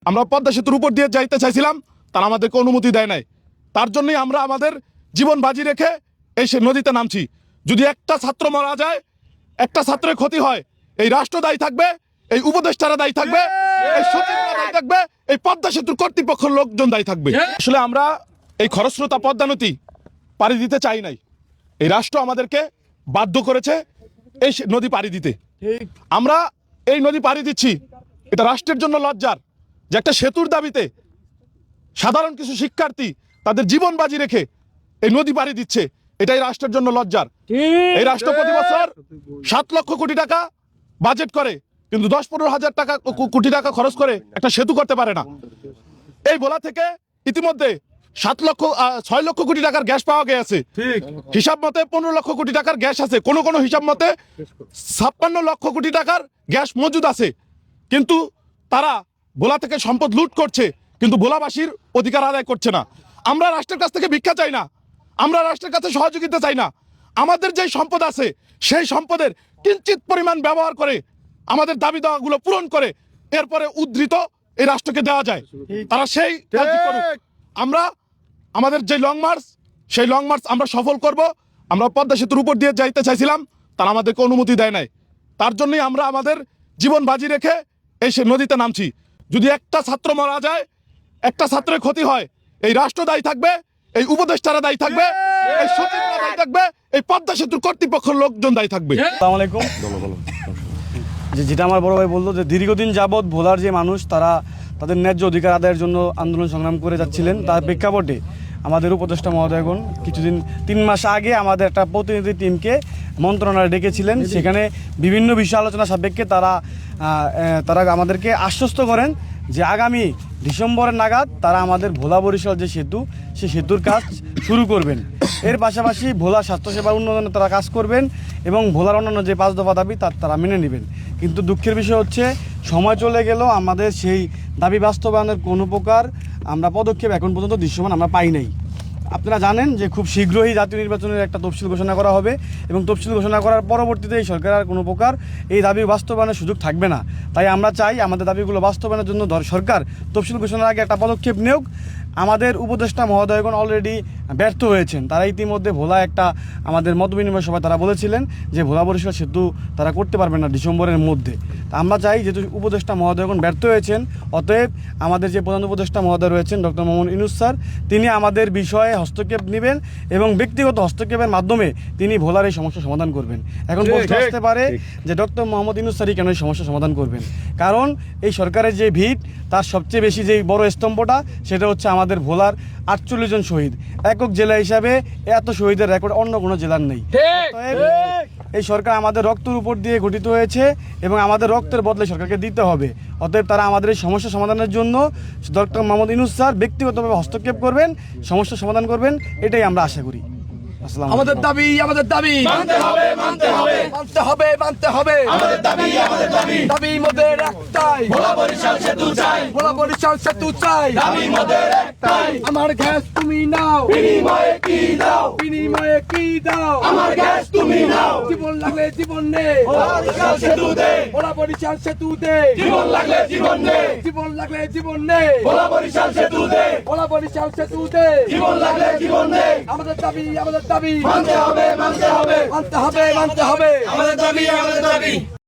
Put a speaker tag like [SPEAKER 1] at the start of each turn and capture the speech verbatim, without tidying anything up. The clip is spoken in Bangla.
[SPEAKER 1] আমরা পদ্মা সেতুর উপর দিয়ে যাইতে চাইছিলাম, তারা আমাদেরকে অনুমতি দেয় নাই। তার জন্যই আমরা আমাদের জীবন বাজি রেখে এই সে নদীতে নামছি। যদি একটা ছাত্র মারা যায়, একটা ছাত্রের ক্ষতি হয়, এই রাষ্ট্র দায়ী থাকবে, এই উপদেষ্টারা দায়ী থাকবে, এই সচিবরা দায়ী থাকবে, এই পদ্মা সেতুর কর্তৃপক্ষের লোকজন দায়ী থাকবে। আসলে আমরা এই খরস্রোতা পদ্মা নদী পাড়ি দিতে চাই নাই, এই রাষ্ট্র আমাদেরকে বাধ্য করেছে এই নদী পাড়ি দিতে। আমরা এই নদী পাড়ি দিচ্ছি, এটা রাষ্ট্রের জন্য লজ্জার যে একটা সেতুর দাবিতে সাধারণ কিছু শিক্ষার্থী তাদের জীবন বাজি রেখে এই নদী পাড়ি দিচ্ছে, এটাই রাষ্ট্রের জন্য লজ্জার। এই রাষ্ট্র প্রতি বছর সাত লক্ষ কোটি টাকা বাজেট করে, কিন্তু দশ পনেরো হাজার টাকা কোটি টাকা খরচ করে একটা সেতু করতে পারে না। এই ভোলা থেকে ইতিমধ্যে সাত লক্ষ ছয় লক্ষ কোটি টাকার গ্যাস পাওয়া গেছে, হিসাব মতে পনেরো লক্ষ কোটি টাকার গ্যাস আছে, কোন কোন হিসাব মতে ছাপ্পান্ন লক্ষ কোটি টাকার গ্যাস মজুদ আছে। কিন্তু তারা ভোলা থেকে সম্পদ লুট করছে, কিন্তু ভোলাবাসীর অধিকার আদায় করছে না। আমরা রাষ্ট্রের কাছ থেকে ভিক্ষা চাই না, আমরা রাষ্ট্রের কাছে সহযোগিতা চাই না। আমাদের যে সম্পদ আছে সেই সম্পদের কিঞ্চিত পরিমাণ ব্যবহার করে আমাদের দাবি দাওয়াগুলো পূরণ করে এরপরে উদ্ধৃত এই রাষ্ট্রকে দেওয়া যায়, তারা সেই কাজই করুক। আমরা আমাদের যে লং মার্চ, সেই লং মার্চ আমরা সফল করব। আমরা পদ্মা সেতুর উপর দিয়ে যাইতে চাইছিলাম, তারা আমাদেরকে অনুমতি দেয় নাই। তার জন্যই আমরা আমাদের জীবন বাজি রেখে এই সে নদীতে নামছি। যদি একটা ছাত্র মারা যায়, একটা ছাত্রের ক্ষতি হয়, এই রাষ্ট্র দায়ী থাকবে, এই উপদেষ্টারা দায়ী থাকবে, এই সচিবরা দায়ী থাকবে, এই পদ্মা সেতুর কর্তৃপক্ষের লোকজন দায়ী থাকবে।
[SPEAKER 2] আসসালামু আলাইকুম। যে যেটা আমার বড় ভাই বললো, যে দীর্ঘদিন যাবৎ ভোলার যে মানুষ তারা তাদের ন্যায্য অধিকার আদায়ের জন্য আন্দোলন সংগ্রাম করে যাচ্ছিলেন, তার প্রেক্ষাপটে আমাদের উপদেষ্টা মহোদয়গণ কিছুদিন তিন মাস আগে আমাদের একটা প্রতিনিধি টিমকে মন্ত্রণালয়ে ডেকেছিলেন। সেখানে বিভিন্ন বিষয় আলোচনা সাপেক্ষে তারা তারা আমাদেরকে আশ্বস্ত করেন যে আগামী ডিসেম্বরের নাগাদ তারা আমাদের ভোলা বরিশাল যে সেতু, সেই সেতুর কাজ শুরু করবেন। এর পাশাপাশি ভোলা স্বাস্থ্যসেবা উন্নয়নে তারা কাজ করবেন এবং ভোলার অন্যান্য যে পাঁচ দফা দাবি তার তারা মেনে নেবেন। কিন্তু দুঃখের বিষয় হচ্ছে, সময় চলে গেল, আমাদের সেই দাবি বাস্তবায়নের কোনো প্রকার আমরা পদক্ষেপ এখন পর্যন্ত দৃশ্যমান আমরা পাই নাই। আপনারা জানেন যে খুব শীঘ্রই জাতীয় নির্বাচনের একটা তফসিল ঘোষণা করা হবে এবং তফসিল ঘোষণা করার পরবর্তীতে এই সরকার আর কোনো প্রকার এই দাবি বাস্তবায়নের সুযোগ থাকবে না। তাই আমরা চাই আমাদের দাবিগুলো বাস্তবায়নের জন্য সরকার তফসিল ঘোষণার আগে একটা পদক্ষেপ নেওক। আমাদের উপদেষ্টা মহোদয়গণ অলরেডি ব্যর্থ হয়েছেন। তারা ইতিমধ্যে ভোলা একটা আমাদের মত বিনিময় সভায় তারা বলেছিলেন যে ভোলা বরিশাল সেতু তারা করতে পারবেন না ডিসেম্বরের মধ্যে। তা আমরা চাই, যেহেতু উপদেষ্টা মহোদয়গণ ব্যর্থ হয়েছেন, অতএব আমাদের যে প্রধান উপদেষ্টা মহোদয় রয়েছেন ডক্টর মোহাম্মদ ইউনূস স্যার, তিনি আমাদের বিষয়ে হস্তক্ষেপ নেবেন এবং ব্যক্তিগত হস্তক্ষেপের মাধ্যমে তিনি ভোলার এই সমস্যার সমাধান করবেন। এখন প্রশ্ন আসতে পারে যে ডক্টর মোহাম্মদ ইউনূস স্যারই কেন এই সমস্যার সমাধান করবেন? কারণ এই সরকারের যে ভিত, তার সবচেয়ে বেশি যে বড় স্তম্ভটা সেটা হচ্ছে আমাদের ভোলার আটচল্লিশ জন শহীদ। একক জেলা হিসাবে এত শহীদের রেকর্ড অন্য কোনো জেলার নেই। এই সরকার আমাদের রক্তের উপর দিয়ে গঠিত হয়েছে এবং আমাদের রক্তের বদলে সরকারকে দিতে হবে। অতএব তারা আমাদের এই সমস্যা সমাধানের জন্য ডক্টর মোহাম্মদ ইউনূস স্যার ব্যক্তিগতভাবে হস্তক্ষেপ করবেন, সমস্যা সমাধান করবেন, এটাই আমরা আশা করি।
[SPEAKER 3] আমাদের দাবি আমাদের দাবি মানতে হবে মানতে হবে মানতে হবে মানতে হবে আমাদের দাবি আমাদের দাবি দাবি মোদের একটাই, ভোলা বরিশাল সেতু চাই, ভোলা বরিশাল সেতু চাই, দাবি মোদের একটাই। আমার গ্যাস তুমি নাও, বিনিময়ে কি দাও, বিনিময়ে কি দাও, আমার গ্যাস তুমি নাও। জীবন লাগলে জীবন নে, ভোলা বরিশাল সেতু দে, ভোলা বরিশাল সেতু দে, জীবন লাগলে জীবন নে, জীবন লাগলে জীবন নে, ভোলা বরিশাল সেতু দে, ভোলা বরিশাল সেতু দে, জীবন লাগলে জীবন নে। আমাদের দাবি আমাদের দাবি মানতে হবে মানতে হবে মানতে হবে মানতে হবে আমাদের দাবি আমাদের দাবি।